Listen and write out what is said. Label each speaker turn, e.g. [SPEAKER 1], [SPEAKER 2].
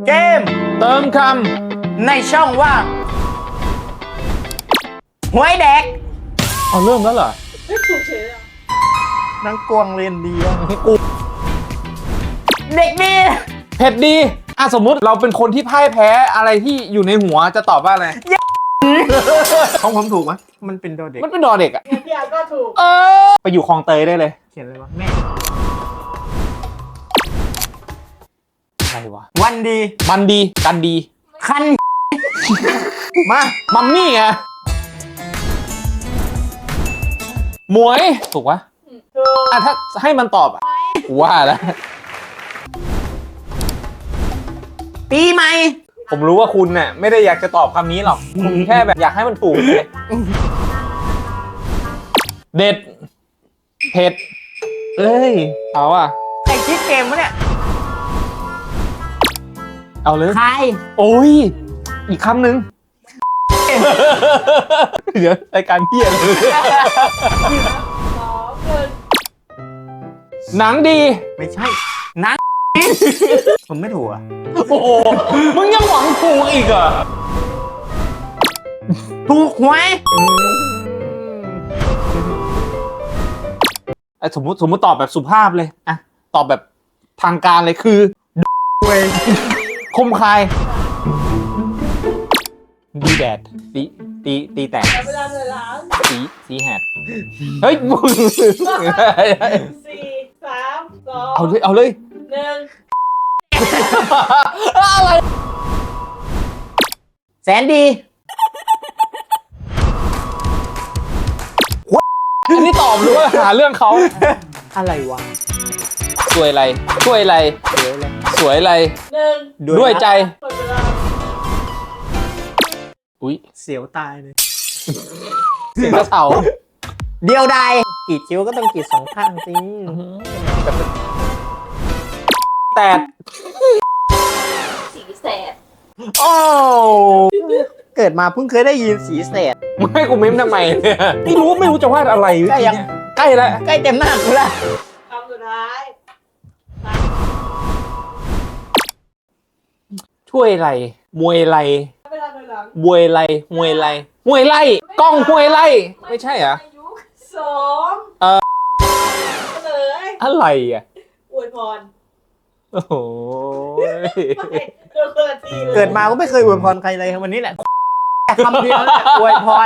[SPEAKER 1] เกม
[SPEAKER 2] เติมค
[SPEAKER 1] ในช่องว่างหวยแดก
[SPEAKER 2] ำเอาเริ่มแล้วเหรอ
[SPEAKER 3] ไม่ถูกเฉยเลย
[SPEAKER 1] นังกวงเรียนดีอะเด็กดี
[SPEAKER 2] เผ็ดดีสมมุติเราเป็นคนที่พ่ายแพ้อะไรที่อยู่ในหัวจะตอบว่าอะไร
[SPEAKER 1] ของผมถูกไหมมันเป็นดอเด็ก
[SPEAKER 2] มันเป็นดอเด็กอะ
[SPEAKER 3] พี่อาร์ก็ถูก
[SPEAKER 2] ไปอยู่คลองเตยได้เลย
[SPEAKER 1] เขียนอะไรวะแม่
[SPEAKER 2] อะไรวะ
[SPEAKER 1] วันดี
[SPEAKER 2] มันดีกันดี
[SPEAKER 1] คัน
[SPEAKER 2] มามัมมี่ไงหมวยถูกปะ
[SPEAKER 3] ถูก
[SPEAKER 2] ถ้าให้มันตอบกูว่าแล้ว
[SPEAKER 1] ปีใหม่
[SPEAKER 2] ผมรู้ว่าคุณเนี่ยไม่ได้อยากจะตอบคำนี้หรอก คุณแค่แบบอยากให้มันถูกเลยเด็ด เผ็ด เอ้ย เอาอ่ะ
[SPEAKER 1] ไอคิดเกมวะเนี่ย
[SPEAKER 2] เอาเลย
[SPEAKER 1] ใคร
[SPEAKER 2] โอ้ย อีกคำหนึ่ง เดี๋ยวรายการเพี้ยเลย
[SPEAKER 3] 2 1
[SPEAKER 2] หนังดี
[SPEAKER 1] ไม่ใช่นัง ผมไม่ถูกอ่ะ
[SPEAKER 2] โอ้โห มึงยังหวังถูกอีกเหรอ
[SPEAKER 1] ถูกหวย
[SPEAKER 2] สมมุติตอบแบบสุภาพเลยอะตอบแบบทางการเลยคือเวยคมคายดีแดดตีแตก
[SPEAKER 3] แต่เวลาเลยล้าง
[SPEAKER 2] สีแหดเฮ้ยมึง
[SPEAKER 3] 4 3 2
[SPEAKER 2] เอาเลย
[SPEAKER 3] 1
[SPEAKER 2] อะไร
[SPEAKER 1] แสนดี
[SPEAKER 2] อันนี้ตอบหรือว่าหาเรื่องเขา
[SPEAKER 1] อะไรวะ
[SPEAKER 2] สวยอะไรช่วยอะไรสวยอะไร
[SPEAKER 3] 1
[SPEAKER 2] ด้วยใจ
[SPEAKER 3] หมดเวลา
[SPEAKER 2] อุ้ย
[SPEAKER 1] เสียวตายเลย
[SPEAKER 2] เสียงกระเสา
[SPEAKER 1] เดียวดายกรีดคิ้วก็ต้องกรีดสองข้างสิ
[SPEAKER 2] แต่
[SPEAKER 3] สีแสด
[SPEAKER 2] โอ้
[SPEAKER 1] เกิดมาเพิ่งเคยได้ยินสีแสด
[SPEAKER 2] มึงให้กูเม้มทำไมเนี่ยไม่รู้จะวาดอะไร
[SPEAKER 1] ใกล้ยัง
[SPEAKER 2] ใกล้แล้ว
[SPEAKER 1] ใกล้เต็มหน้ากูละ
[SPEAKER 3] คำสุดท้าย
[SPEAKER 2] ช่วยอะไรมวยอะไร
[SPEAKER 3] เวลาเลยล้าง
[SPEAKER 2] มวยอะไรมวยอะไรมวยไล่กล้องมวยไล่ไม่ใช่เหรอ
[SPEAKER 3] อายุ2
[SPEAKER 2] เออ
[SPEAKER 3] เลย
[SPEAKER 2] อะไรอ่ะ
[SPEAKER 3] อวยพร
[SPEAKER 2] โอ้โห
[SPEAKER 3] ไม่เจอคนละทีเลย
[SPEAKER 1] เกิดมาก็ไม่เคยอวยพรใครเลยวันนี้แหละคำเดียวแหละอวยพร